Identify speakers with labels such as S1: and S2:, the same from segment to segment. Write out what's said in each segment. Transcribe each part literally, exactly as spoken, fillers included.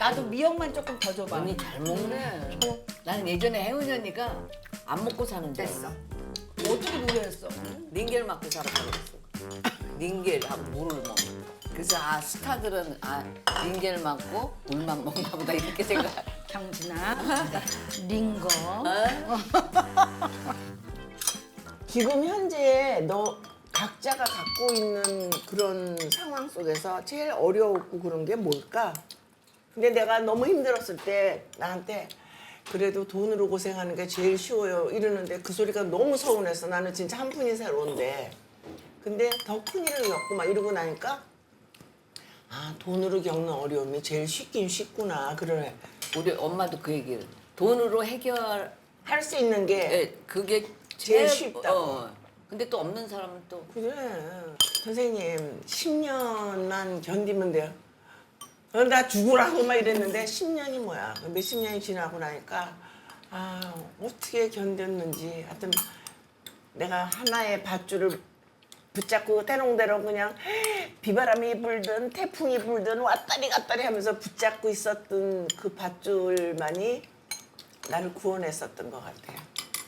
S1: 나도 미역만 조금 더 줘봐.
S2: 언니 잘 먹네. 나는 예전에 혜은이 언니가 안 먹고 사는 줄 알았어.
S1: 어떻게 노래했어?
S2: 닌겔 맞고 살았다고 그랬어. 닌겔하고 물을 먹. 그래서 아 스타들은 아 닌겔 맞고 물만 먹나 보다 이렇게 생각.
S1: 경진아, 링거.
S3: 지금 현재 너 각자가 갖고 있는 그런 상황 속에서 제일 어려웠고 그런 게 뭘까? 근데 내가 너무 힘들었을 때 나한테 그래도 돈으로 고생하는 게 제일 쉬워요 이러는데 그 소리가 너무 서운해서 나는 진짜 한 푼이 새로운데 근데 더 큰 일을 겪고 막 이러고 나니까 아 돈으로 겪는 어려움이 제일 쉽긴 쉽구나 그러네.
S2: 우리 엄마도 그 얘기를 돈으로 해결
S3: 할 수 있는 게
S2: 예, 그게
S3: 제일 쉽다고.
S2: 어. 근데 또 없는 사람은 또
S3: 그래. 선생님, 십 년만 견디면 돼요. 어, 나 죽으라고 막 이랬는데 십 년이 뭐야. 몇십 년이 지나고 나니까 아, 어떻게 견뎠는지. 하여튼 내가 하나의 밧줄을 붙잡고 대롱대롱 그냥 비바람이 불든 태풍이 불든 왔다리 갔다리 하면서 붙잡고 있었던 그 밧줄만이 나를 구원했었던 것 같아요.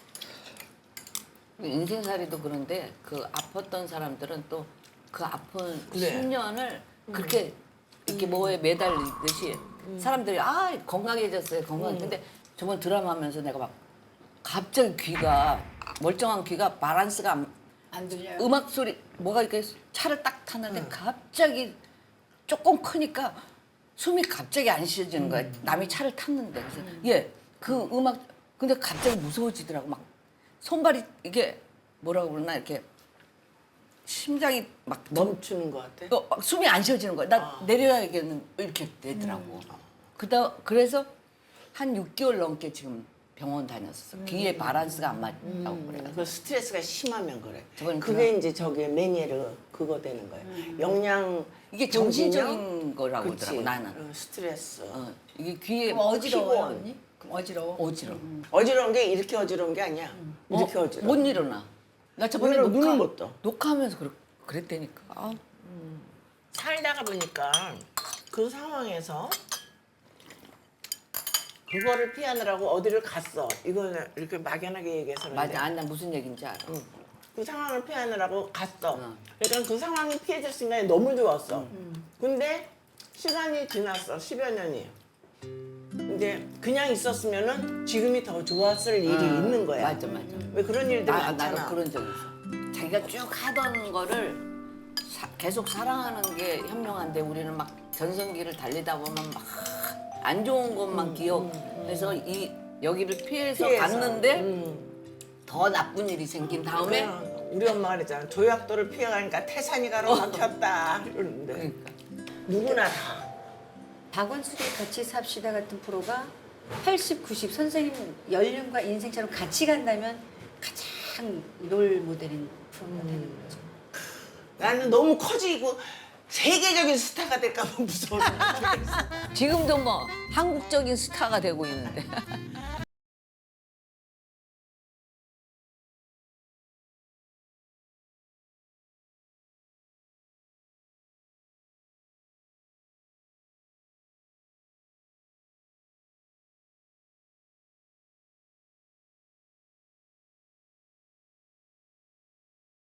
S2: 인생살이도 그런데 그 아팠던 사람들은 또 그 아픈
S3: 그래.
S2: 십 년을 그렇게 이렇게 뭐에 매달리듯이 사람들이 아 건강해졌어요 건강. 근데 저번 드라마 하면서 내가 막 갑자기 귀가 멀쩡한 귀가 바란스가 안,
S1: 안 들려요?
S2: 음악 소리 뭐가 이렇게 차를 딱 탔는데 갑자기 조금 크니까 숨이 갑자기 안 쉬어지는 거야. 남이 차를 탔는데 그래서 예 그 음악 근데 갑자기 무서워지더라고 막 손발이 이게 뭐라고 그러나 이렇게 심장이 막
S3: 멈추는 것 같아.
S2: 어, 막 숨이 안 쉬어지는 거야. 나 내려야겠는 이렇게 되더라고. 그다 그래서 한 육 개월 넘게 지금 병원 다녔었어. 귀에 바란스가 안 맞다고 그래.
S3: 그 스트레스가 심하면 그래.
S2: 저건
S3: 그게
S2: 그냥-
S3: 이제 저기 메니에르 그거 되는 거야. 영양
S2: 이게
S3: 불균형?
S2: 정신적인 거라고
S3: 그치.
S2: 그러더라고 나는.
S3: 어, 스트레스.
S2: 어, 이게 귀에
S1: 그럼 어지러워요,
S3: 피곤.
S1: 언니? 그럼 어지러워?
S2: 어지러.
S3: 어지러운 게 이렇게 어지러운 게 아니야. 이렇게
S2: 어,
S3: 어지러워.
S2: 못 일어나. 나 저번에
S3: 눈을-
S2: 녹화,
S3: 눈을 못 떠.
S2: 녹화하면서 그랬, 그랬다니까. 아,
S3: 살다가 보니까 그 상황에서 그거를 피하느라고 어디를 갔어. 이거는 이렇게 막연하게 얘기해서 그런데
S2: 맞아. 아, 나 무슨 얘기인지 알아.
S3: 그 상황을 피하느라고 갔어.
S2: 응.
S3: 그러니까 그 상황이 피해질 순간에 너무 좋았어. 근데 시간이 지났어. 십여 년이. 근데 그냥 있었으면은 지금이 더 좋았을 일이 있는 거야.
S2: 맞아, 맞아.
S3: 왜 그런 일들이
S2: 나,
S3: 많잖아.
S2: 나도 그런 적 있어. 자기가 쭉 하던 거를 사- 계속 사랑하는 게 현명한데 우리는 막 전성기를 달리다 보면 막 안 좋은 것만 기억해서 이 여기를 피해서,
S3: 피해서.
S2: 갔는데
S3: 음.
S2: 더 나쁜 일이 생긴 다음에
S3: 그래, 우리 엄마가 그랬잖아. 조약도를 피해가니까 태산이 가로막혔다. 이러는데
S2: 그러니까
S3: 누구나 다.
S4: 박원숙의 같이 삽시다 같은 프로가 팔십, 구십 선생님 연륜과 인생처럼 같이 간다면 가장 롤 모델인 프로가 되는 거죠.
S3: 나는 너무 커지고 세계적인 스타가 될까 봐 무서워서.
S2: 지금도 뭐 한국적인 스타가 되고 있는데